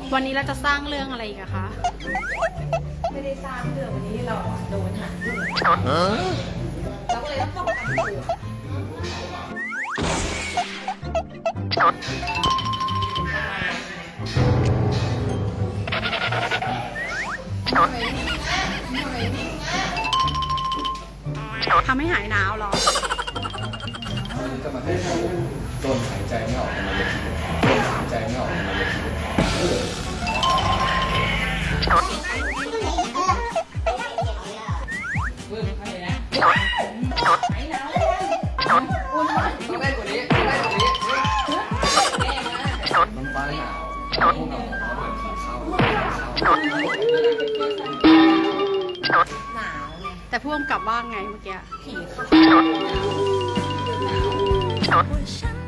วันนี้เราจะสร้างเรื่องอะไรอีกอะคะไม่ได้สร้างเรื่องวันนี้เราโดนหาเรื่องเราก็เลยต้องป้องกันตัวทำให้หายหนาวเหรอจะมาให้เขาโดนหายใจไม่ออกมาเลยโดนหายใจไม่ออกมาเลยมันฟ้าหนาวพวกเราเหมือนผีเข้าหนาวไงแต่พ่วงกลับว่าไงเมื่อกี้ผีเข้า我想